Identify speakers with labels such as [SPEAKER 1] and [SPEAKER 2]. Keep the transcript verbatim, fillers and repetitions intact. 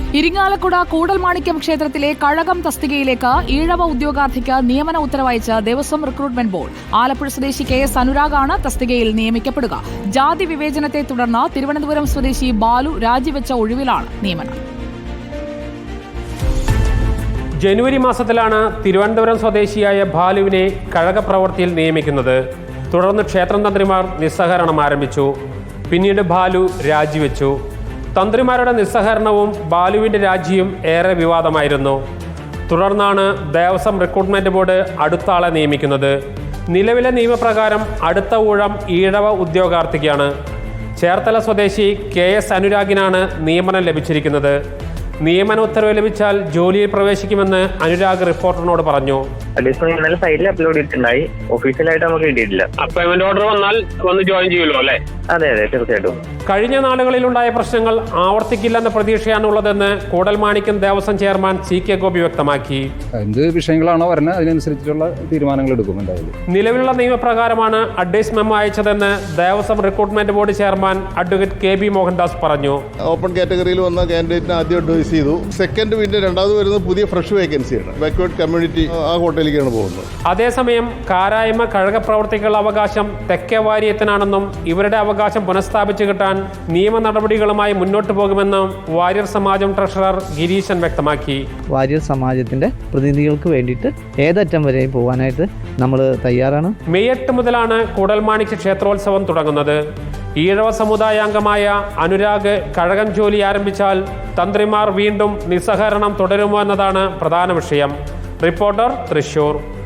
[SPEAKER 1] ഇരിങ്ങാലക്കുട കൂടൽമാണിക്യം ക്ഷേത്രത്തിലെ കഴകം തസ്തികയിലേക്ക് ഈഴവ ഉദ്യോഗാർത്ഥിക്ക് നിയമന ഉത്തരവയച്ച ദേവസ്വം റിക്രൂട്ട്മെന്റ് ബോർഡ്. ആലപ്പുഴ സ്വദേശി കെ എസ് അനുരാഗാണ് തസ്തികയിൽ നിയമിക്കപ്പെടുക. ജാതി വിവേചനത്തെ തുടർന്ന് തിരുവനന്തപുരം സ്വദേശി ബാലു രാജിവെച്ച ഒഴിവിലാണ് നിയമനം.
[SPEAKER 2] ജനുവരി മാസത്തിലാണ് തിരുവനന്തപുരം സ്വദേശിയായ ബാലുവിനെ കഴക പ്രവൃത്തിയിൽ നിയമിക്കുന്നത്. തുടർന്ന് ക്ഷേത്രം തന്ത്രിമാർ നിസ്സഹകരണം ആരംഭിച്ചു. പിന്നീട് ബാലു രാജിവെച്ചു. തന്ത്രിമാരുടെ നിസ്സഹകരണവും ബാലുവിൻ്റെ രാജിയും ഏറെ വിവാദമായിരുന്നു. തുടർന്നാണ് ദേവസ്വം റിക്രൂട്ട്മെന്റ് ബോർഡ് അടുത്ത ആളെ നിയമിക്കുന്നത്. നിലവിലെ നിയമപ്രകാരം അടുത്ത ഊഴം ഈഴവ ഉദ്യോഗാർത്ഥിക്കാണ്. ചേർത്തല സ്വദേശി കെ എസ് അനുരാഗിനാണ് നിയമനം ലഭിച്ചിരിക്കുന്നത്. നിയമന ഉത്തരവ് ലഭിച്ചാൽ ജോലിയിൽ പ്രവേശിക്കുമെന്ന് അനുരാഗ് റിപ്പോർട്ടറിനോട് പറഞ്ഞു.
[SPEAKER 3] ഇന്നലെ സൈറ്റിൽ അപ്ലോഡ് ചെയ്തിട്ടുണ്ടായി, ഒഫീഷ്യലായിട്ട് നമുക്ക് കിട്ടിയിട്ടില്ല.
[SPEAKER 2] അപ്പോയിന്റ്മെന്റ് ഓർഡർ വന്നാൽ വന്ന് ജോയിൻ ചെയ്യുമല്ലോ അല്ലേ?
[SPEAKER 3] അതെ അതെ തീർച്ചയായിട്ടും.
[SPEAKER 2] കഴിഞ്ഞ നാളുകളിലുണ്ടായ പ്രശ്നങ്ങൾ ആവർത്തിക്കില്ലെന്ന പ്രതീക്ഷയാണുള്ളതെന്ന് Koodalmanikyam Devaswom chairman C K Gopi വ്യക്തമാക്കി.
[SPEAKER 4] എന്ത് വിഷയങ്ങളാണോ വരുന്നത് അതിനനുസരിച്ചുള്ള തീരുമാനങ്ങൾ എടുക്കും. എന്തായാലും
[SPEAKER 2] നിലവിലുള്ള നിയമപ്രകാരമാണ് അഡ്വൈസ് മെമ്മോ അയച്ചതെന്ന് Devaswom recruitment board chairman advocate K B Mohandas പറഞ്ഞു.
[SPEAKER 5] ഓപ്പൺ കാറ്റഗറിയിൽ വന്ന കാൻഡിഡേറ്റിന് ആദ്യം അഡ്വൈസ് ചെയ്തു. സെക്കൻഡ് പിന്നെ രണ്ടാമത് വരുന്നത് പുതിയ ഫ്രഷ് വേക്കൻസിയാണ്. ബാക്ക്വേർഡ് കമ്മ്യൂണിറ്റി ആ കോട്ടയിലേക്കാണ് പോകുന്നത്.
[SPEAKER 2] അതേസമയം കാരായ്മ കഴക പ്രവർത്തികളുടെ അവകാശം തെക്കേ വാര്യത്തിനാണെന്നും ഇവരുടെ അവകാശം പുനഃസ്ഥാപിച്ചു കിട്ടാൻ നിയമ നടപടികളുമായി മുന്നോട്ട് പോകുമെന്നും വാര്യർ സമാജം ട്രഷറർ ഗിരീശൻ വ്യക്തമാക്കി.
[SPEAKER 6] വാര്യർ സമാജത്തിന്റെ പ്രതിനിധികൾക്ക് വേണ്ടിയിട്ട് ഏതറ്റം വരെ പോകാനായിട്ട് നമ്മൾ തയ്യാറാണ്.
[SPEAKER 2] മെയ് എട്ട് മുതലാണ് കൂടൽമാണിക്യ ക്ഷേത്രോത്സവം തുടങ്ങുന്നത്. ഈഴവ സമുദായാംഗമായ അനുരാഗ് കഴകം ജോലി ആരംഭിച്ചാൽ തന്ത്രിമാർ വീണ്ടും നിസ്സഹകരണം തുടരുമോ എന്നതാണ് പ്രധാന വിഷയം. റിപ്പോർട്ടർ, തൃശൂർ.